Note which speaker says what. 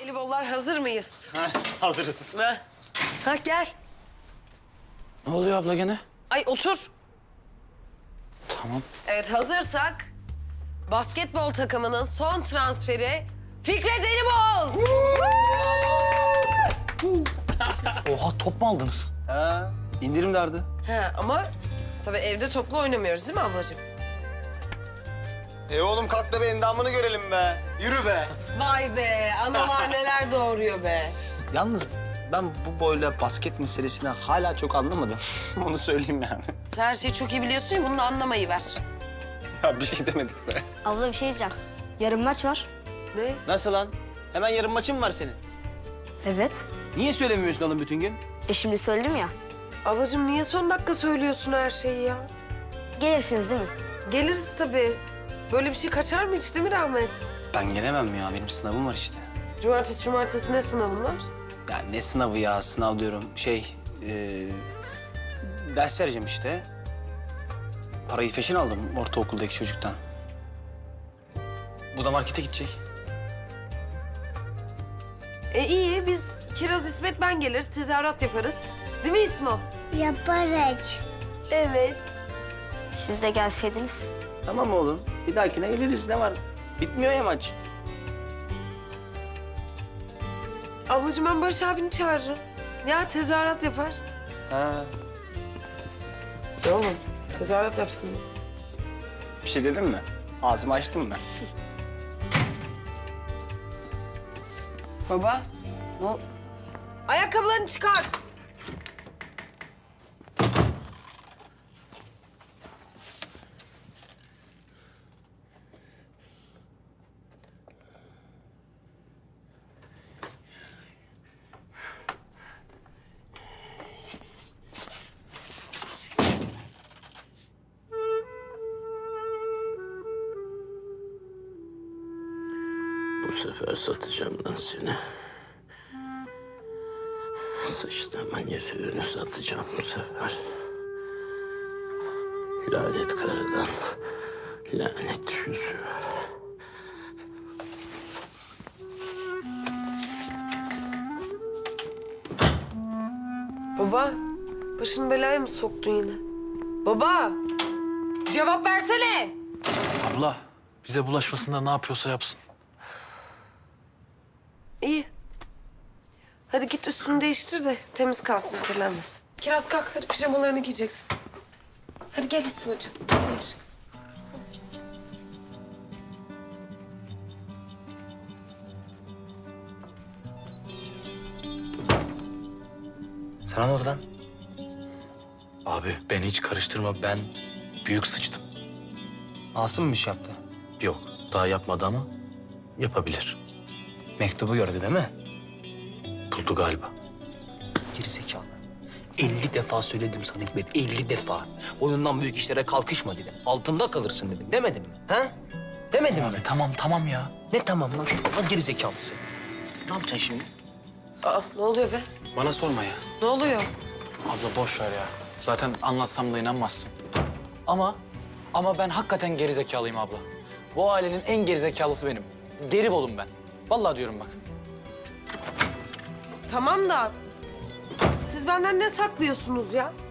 Speaker 1: Jelibonlar hazır mıyız?
Speaker 2: Hazırız.
Speaker 1: Ha gel.
Speaker 3: Ne oluyor abla gene?
Speaker 1: Ay otur.
Speaker 3: Tamam.
Speaker 1: Evet hazırsak basketbol takımının son transferi Fikret Elibol.
Speaker 3: Oha top mu aldınız?
Speaker 2: Ha, indirim vardı.
Speaker 1: Ha ama tabii evde toplu oynamıyoruz değil mi ablacığım?
Speaker 2: Oğlum kalk da bir endamını görelim be. Yürü be.
Speaker 1: Vay be analar neler doğuruyor be.
Speaker 2: Yalnız ben bu boyla basket meselesini hala çok anlamadım. Onu söyleyeyim yani.
Speaker 1: Sen her şeyi çok iyi biliyorsun ya bunu da anlamayı ver.
Speaker 2: Ya bir şey demedik be.
Speaker 4: Abla bir şey diyeceğim. Yarın maç var.
Speaker 1: Ne?
Speaker 2: Nasıl lan? Hemen yarın maçın mı var senin?
Speaker 4: Evet.
Speaker 2: Niye söylemiyorsun oğlum bütün gün?
Speaker 4: Şimdi söyledim ya.
Speaker 1: Ablacığım niye son dakika söylüyorsun her şeyi ya?
Speaker 4: Gelirsiniz değil mi?
Speaker 1: Geliriz tabii. Böyle bir şey kaçar mı hiç değil mi Rahmet?
Speaker 2: Ben gelemem ya. Benim sınavım var işte.
Speaker 1: Cumartesi ne sınavın var?
Speaker 2: Ya ne sınavı ya? Sınav diyorum. Ders vereceğim işte. Parayı peşin aldım ortaokuldaki çocuktan. Bu da markete gidecek.
Speaker 1: İyi biz Kiraz İsmet ben geliriz tezahürat yaparız. Değil mi İsmo?
Speaker 4: Yaparız.
Speaker 1: Evet.
Speaker 4: Siz de gelseydiniz.
Speaker 2: Tamam oğlum. Bir dahakine geliriz. Ne var? Bitmiyor ya maç.
Speaker 1: Ablacığım ben Barış abini çağırırım. Ya tezahürat yapar.
Speaker 2: Ha.
Speaker 1: Oğlum tezahürat yapsın.
Speaker 2: Bir şey dedin mi? Ağzımı açtım mı?
Speaker 1: Baba. Ne? Ayakkabılarını çıkar.
Speaker 5: Bu sefer satacağım lan seni. Sıçtığımın yüzüğünü satacağım bu sefer. Lanet karıdan lanet yüzüğü.
Speaker 1: Baba. Başını belaya mı soktun yine? Baba. Cevap versene.
Speaker 3: Abla bize bulaşmasında ne yapıyorsa yapsın.
Speaker 1: İyi. Hadi git üstünü değiştir de temiz kalsın, kirlenmesin. Kiraz kalk, hadi pijamalarını giyeceksin. Hadi gel İsmail'cim. Gel aşkım.
Speaker 2: Sana ne oldu lan?
Speaker 3: Abi beni hiç karıştırma, ben büyük sıçtım.
Speaker 2: Asım mı bir şey yaptı?
Speaker 3: Yok daha yapmadı ama yapabilir.
Speaker 2: Mektubu gördü değil mi?
Speaker 3: Buldu galiba.
Speaker 2: Gerizekalı. 50 defa söyledim sana Hikmet, 50 defa. Boyundan büyük işlere kalkışma dedim. Altında kalırsın dedim. Demedim mi? Ha? Demedim mi?
Speaker 3: Abi tamam ya.
Speaker 2: Ne tamam lan? Lan gerizekalısın. Ne yapacaksın şimdi?
Speaker 1: Aa, ne oluyor be?
Speaker 2: Bana sorma ya.
Speaker 1: Ne oluyor?
Speaker 3: Abla boş ver ya. Zaten anlatsam da inanmazsın. Ama ben hakikaten gerizekalıyım abla. Bu ailenin en gerizekalısı benim. Geribolum ben. Vallahi diyorum bak.
Speaker 1: Tamam da siz benden ne saklıyorsunuz ya?